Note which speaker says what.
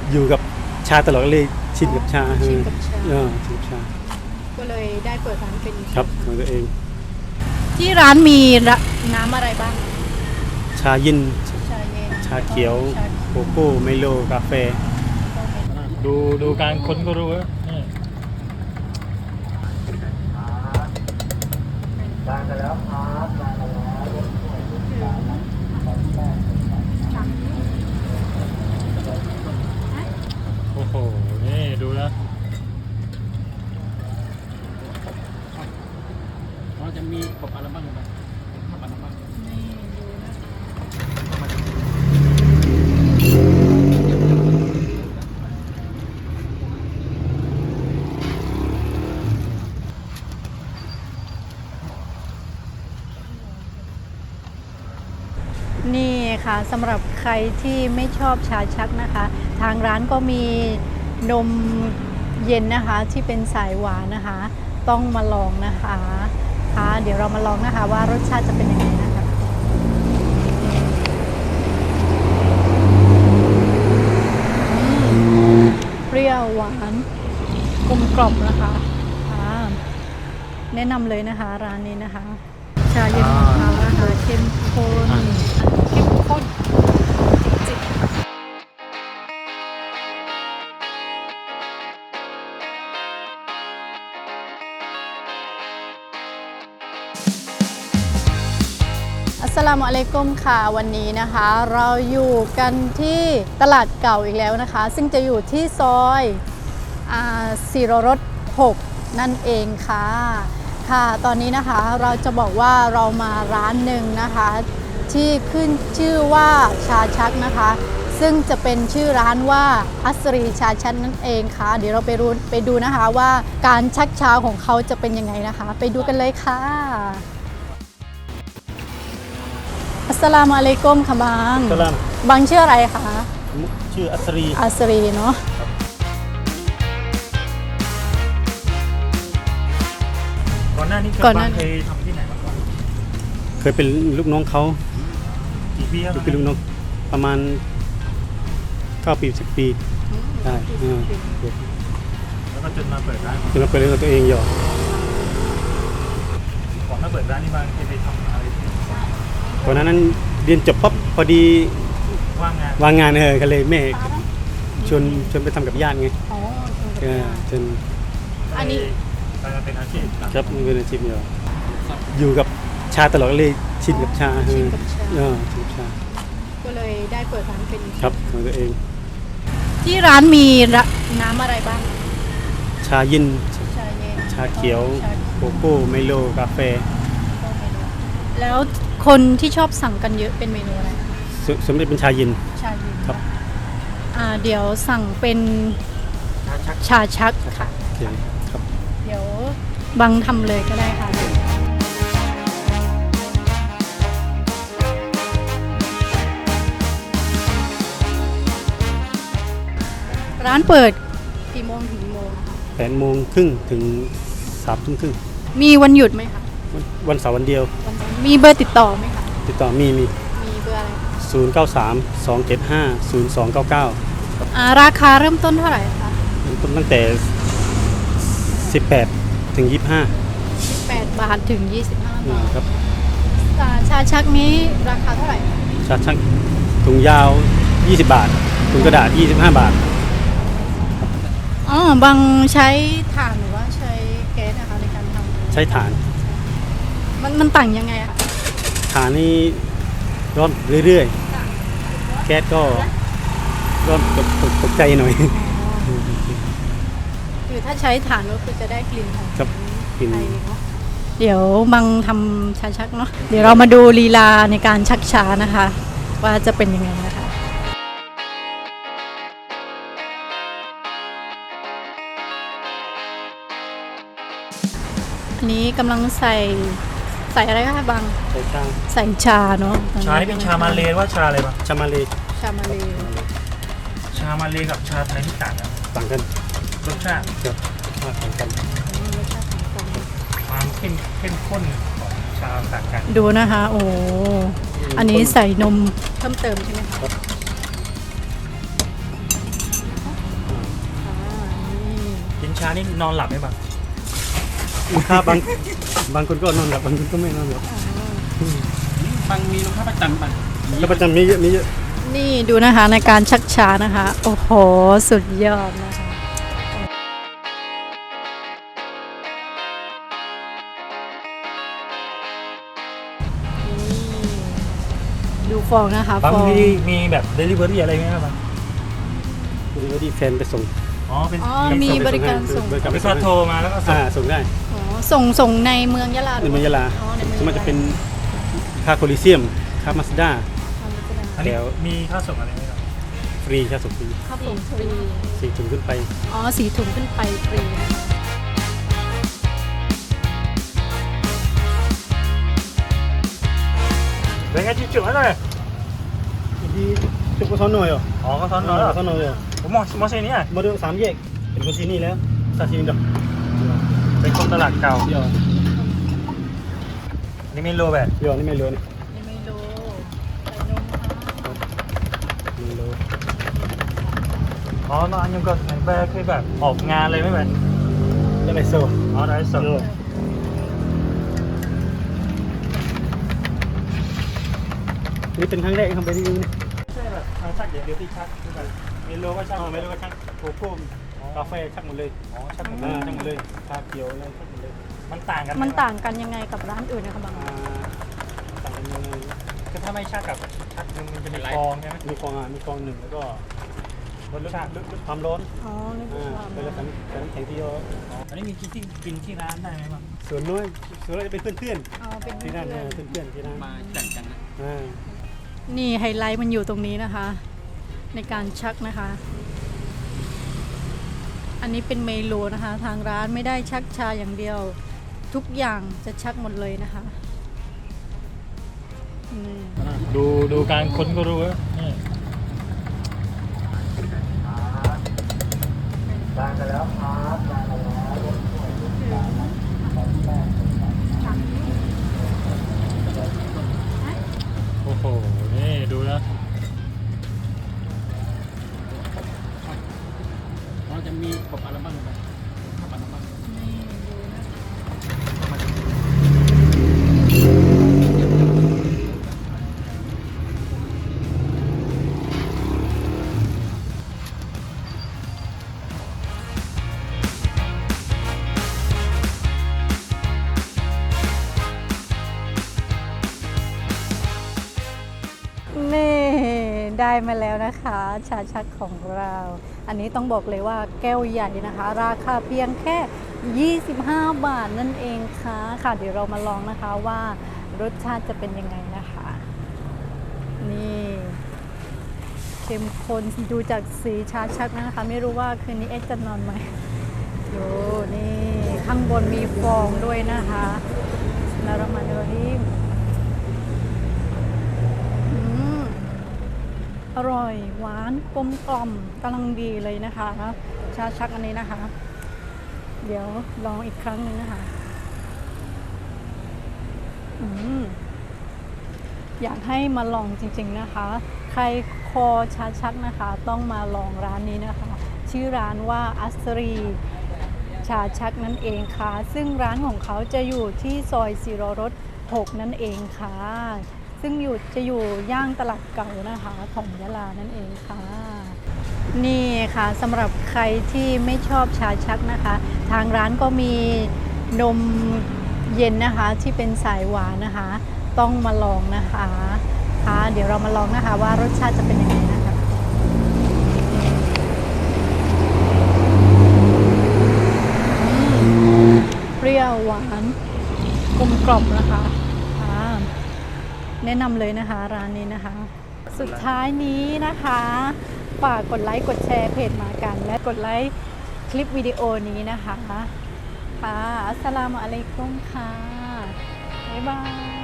Speaker 1: อยู่กับชาตลอดเลยชินกับชา
Speaker 2: ชินกับชา
Speaker 1: ชินกับชา
Speaker 2: ก็เลยได้เปิดร้านเป็น
Speaker 1: ครับของตัวเอง
Speaker 2: ที่ร้านมีน้ำอะไรบ้าง
Speaker 1: ชาเย็น
Speaker 2: ชาเย็น
Speaker 1: ชาเขียวโกโก้ไมโลกาแฟ
Speaker 3: ดูการค้นก็รู้ว่าโอ้โหนี่ดูแล้วเราจะมีปกอะไรบ้างไหมทำอะไรบ้าง
Speaker 2: นี่ดูนะนี่ค่ะสำหรับใครที่ไม่ชอบชาชักนะคะทางร้านก็มีนมเย็นนะคะที่เป็นสายหวานนะคะต้องมาลองนะคะค่ะเดี๋ยวเรามาลองนะคะว่ารสชาติจะเป็นยังไงนะคะเปรี้ยวหวานกลมกล่อมนะคะแนะนำเลยนะคะร้านนี้นะคะชาเย็นของเขานะคะเข้มข้นจริงอัสสลามุอะลัยกุมค่ะวันนี้นะคะเราอยู่กันที่ตลาดเก่าอีกแล้วนะคะซึ่งจะอยู่ที่ซอยศิโรรส6นั่นเองค่ะตอนนี้นะคะเราจะบอกว่าเรามาร้านหนึ่งนะคะที่ขึ้นชื่อว่าชาชักนะคะซึ่งจะเป็นชื่อร้านว่าอัสรีชาชักนั่นเองค่ะเดี๋ยวเราไปดูนะคะว่าการชักชาของเขาจะเป็นยังไงนะคะไปดูกันเลยค่ะอัสสลามุอะลัยกุมค่ะบางชื่ออะไรคะ
Speaker 1: ชื่ออั
Speaker 2: สรีเนาะ
Speaker 3: ก่อนหน้านี้เคยทำที่ไหนมาก่อน
Speaker 1: เคยเป็นลูกน้องเขา
Speaker 3: กี่ปีแล้ว
Speaker 1: เป็นลูกน้องประมาณ9 ปี 10 ปีได้
Speaker 3: แล้วก็จนมาเปิดร้าน
Speaker 1: จนมาเปิดเรื่องตัวเองอยู่
Speaker 3: ก่อนมาเปิดร้านนี่มาเคยไปทำอะไร
Speaker 1: ก่อนนั้นเรียนจบปั๊บพอดีว่างงานก็เลยแม่ชวนไปทำกับญาติไงจน
Speaker 2: อันนี้
Speaker 3: เป็นอาชีพ
Speaker 1: ครับเป็นอาชีพอยู่กับชาตลอดเลยชินกับชาชินกับชา
Speaker 2: ก็เลยได้เปิดร้านเป็น
Speaker 1: ครับของตัวเอง
Speaker 2: ที่ร้านมีน้ำอะไรบ้าง
Speaker 1: ชาเย็น
Speaker 2: ชา
Speaker 1: เขียวโกโก้ไมโลกาแฟ
Speaker 2: แล้วคนที่ชอบสั่งกันเยอะเป็นเมนูอะไร
Speaker 1: สมมติเป็นชาเย็น
Speaker 2: ครับเดี๋ยวสั่งเป็นชาชักค่ะ
Speaker 1: ครับ
Speaker 2: เดี๋ยวบังทำเลยก็ได้ค่ะร้านเปิดกี่โมงถึงกี่โมง
Speaker 1: 8:30 ถึง 3:30
Speaker 2: มีวันหยุดไหมคะ
Speaker 1: วันเสาร์วันเดียว
Speaker 2: มีเบอร์ติดต่อไหมคะ
Speaker 1: ติดต่อมี
Speaker 2: เบอร์อะไร
Speaker 1: 093-275-0299
Speaker 2: ราคาเริ่มต้นเท่าไหร่คะ
Speaker 1: เริ่มต้นตั้งแต่18 ถึง
Speaker 2: 18 บาทถึง25 บาท
Speaker 1: ครับ
Speaker 2: ชาชักนี้ราคาเท่าไหร่
Speaker 1: ชาชักถุงยาว20 บาทถุงกระดาษ25 บาท
Speaker 2: บางใช้ถ่านหรือว่าใช้แก๊สนะคะในการทำ
Speaker 1: ใช้ถ่าน
Speaker 2: มันต่างยังไงคะ
Speaker 1: ถ่านนี่ร้อนเรื่อยๆแก๊สก็ร้อนตกใจหน่อย
Speaker 2: คือถ้าใช้ถ่านก็คือจะได้กลิ่นของ
Speaker 1: กลิ่น
Speaker 2: เดี๋ยวบังทำชาชักเนาะเดี๋ยวเรามาดูลีลาในการชักชานะคะว่าจะเป็นยังไงนะคะอันนี้กำลังใส่อะไรคะบังใส่ชาเนาะ
Speaker 3: ชาที่เป็นชามาเลว่าชาอะไรบ้าง
Speaker 1: ชามาเล
Speaker 3: กับชาไทยที่ต่าง
Speaker 1: กัน
Speaker 3: รสชาติ
Speaker 1: ต่างกัน
Speaker 3: ความเข้มข้นของชาต่างกัน
Speaker 2: ดูนะคะโอ้อันนี้ใส่นมเพิ่มเติมใช่ไหมคะ
Speaker 3: ชานี่นอนหลับไหมบ้าง
Speaker 1: ลูกค้าบางคนก็นอนหลับบางคนก็ไม่นอนหลับบ
Speaker 3: างมีลูกค้าประจำบ้าง
Speaker 1: แล้วประจำมีเยอะมีเยอะ
Speaker 2: นี่ดูนะคะในการชักช้านะคะ โอ้โห สุดยอดนะคะดูฟองนะคะ
Speaker 3: บาง
Speaker 2: ฟอง
Speaker 3: มีแบบเดลิเวอรี่อะไรไหมครับบ้าง
Speaker 1: หรือว่าดีแฟนไปส่ง
Speaker 3: อ๋อเป็น
Speaker 2: อ๋อมีบริการส่ง
Speaker 1: บริการ
Speaker 3: บ
Speaker 1: ไป
Speaker 3: ริ
Speaker 1: ส่
Speaker 3: ษั
Speaker 1: ง
Speaker 3: ทโทรมาแล้วก็ส่ง
Speaker 1: ส่งได้
Speaker 2: อ๋อส่งในเมืองยะลาห
Speaker 1: ใน
Speaker 2: รือ
Speaker 1: เมืองยะลา
Speaker 2: อ๋อในเมือง
Speaker 1: มันจะเป็นค่าโคลิเซียมค่ามาสด้า
Speaker 3: อันนี้
Speaker 1: แล้ว
Speaker 3: มีค่าส่งอะไรไหมครับ
Speaker 1: ฟรีค่าส่งฟรี
Speaker 2: ข้าวผงฟรี
Speaker 1: 4 ถุงขึ้นไป
Speaker 2: อ๋อ4 ถุงขึ้นไปฟรีนะคะ
Speaker 3: เป็นไงที่จุดนั้นเลย
Speaker 1: ดีจุกกระท้อนหน่อยเหรอ
Speaker 3: อ๋อก็ซ้อนนอน
Speaker 1: ก
Speaker 3: แล้ว
Speaker 1: ระท้อนหน่อยเหรอ
Speaker 3: ผมมองเส้นนี้
Speaker 1: มาดู3 แยกเป็นคนที่นี่แล้วซาชิมิดอก
Speaker 3: เป็นคนตลาดเก่า
Speaker 1: เดี๋ยว
Speaker 3: อันนี่ไม่โลแบบ
Speaker 1: เดี๋ยวนี่ไม่รู้นี่
Speaker 2: ยังไม่รู้ใส่นมค่ะ
Speaker 1: ไม่รู้
Speaker 3: อ๋อน้องอันยังก็เหมือนแบบเคยแบบออกงานเลยไหมแบบ
Speaker 1: จะไรโซ่
Speaker 3: อ๋อได้ส่ง
Speaker 1: นี่เป็นครั้งแรกที่ทำไปที่นี่
Speaker 3: ใช่แบบชักเดี๋ยวที่ชักคือแบบไม่โลก็ชัก
Speaker 1: ไม่รู้ว่าชักโกโก้กาแฟชักหมดเลย
Speaker 3: อ๋อชักหมดเล
Speaker 1: ชักหมดเลยชาเขียวอะไรชักหมดเลย
Speaker 3: มันต่างกันไห
Speaker 2: มันต่างกันยังไงกับร้านอื่นนะคะบาง
Speaker 1: ต่างกันยังไง
Speaker 3: ก็ถ้าไม่ชักกับชักนึงมันจะมีฟองใช่ไหม
Speaker 1: มีฟองมีฟองหนึ่งแล้วก็ลดความร้อน
Speaker 2: อ๋อนี่คือความ
Speaker 1: เป็นแล้วแต่น้ำแข็งที่เยอะ
Speaker 3: อันนี้มีที่กินที่ร้านได้ไหมบ้าง
Speaker 1: ส่วนน้อยส่วนน้อยจะเป็นเพื่อน
Speaker 2: อ๋อเป็น
Speaker 1: ๆที่นั่น
Speaker 2: เพื่อน
Speaker 1: เพื่อนๆที่นั่น
Speaker 3: มาแข่งกันนะ
Speaker 2: นี่ไฮไลท์มันอยู่ตรงนี้นะคะ ในการชักนะคะ อันนี้เป็นเมนูนะคะ ทางร้านไม่ได้ชักชาอย่างเดียว ทุกอย่างจะชักหมดเลยนะคะนี่
Speaker 3: ดูการค้นก็รู้ว่านี่ได้กันแล้วครับได้กันแล้วโอ้โหนี่ดูแล้วเราจะมีกบอะไรบ้างไหมกบอะไรบ้าง
Speaker 2: นี่ดูนะคะ นี่ได้มาแล้วนะคะ ชาชักของเรา อันนี้ต้องบอกเลยว่าแก้วใหญ่นะคะ ราคาเพียงแค่ 25 บาทนั่นเองค่ะเดี๋ยวเรามาลองนะคะว่ารสชาติจะเป็นยังไงนะคะ นี่เข้มข้นดูจากสีชาชักนะคะ ไม่รู้ว่าคืนนี้เอ็กซ์จะนอนไหมดูนี่ข้างบนมีฟองด้วยนะคะแล้วเรามาดูที่อร่อยหวานกลมกล่อมกำลังดีเลยนะคะ ชาชักอันนี้นะคะ เดี๋ยวลองอีกครั้งหนึงนะคะอยากให้มาลองจริงๆนะคะ ใครคอชาชักนะคะ ต้องมาลองร้านนี้นะคะ ชื่อร้านว่าอัสรีชาชักนั่นเองค่ะ ซึ่งร้านของเขาจะอยู่ที่ซอยศิโรรส 6 นั่นเองค่ะ ซึ่งจะอยู่ย่างตลาดเก่านะคะของยะลานั่นเองค่ะ นี่ค่ะสำหรับใครที่ไม่ชอบชาชักนะคะ ทางร้านก็มีนมเย็นนะคะที่เป็นสายหวานนะคะ ต้องมาลองนะคะค่ะเดี๋ยวเรามาลองนะคะว่ารสชาติจะเป็นยังไงนะคะเปรี้ยวหวานกลมกล่อมนะคะแนะนำเลยนะคะร้านนี้นะคะ สุดท้ายนี้นะคะฝากกดไลค์กดแชร์เพจมากัน และกดไลค์คลิปวิดีโอนี้นะคะค่ะอัสสลามุอะลัยกุมค่ะบ๊ายบาย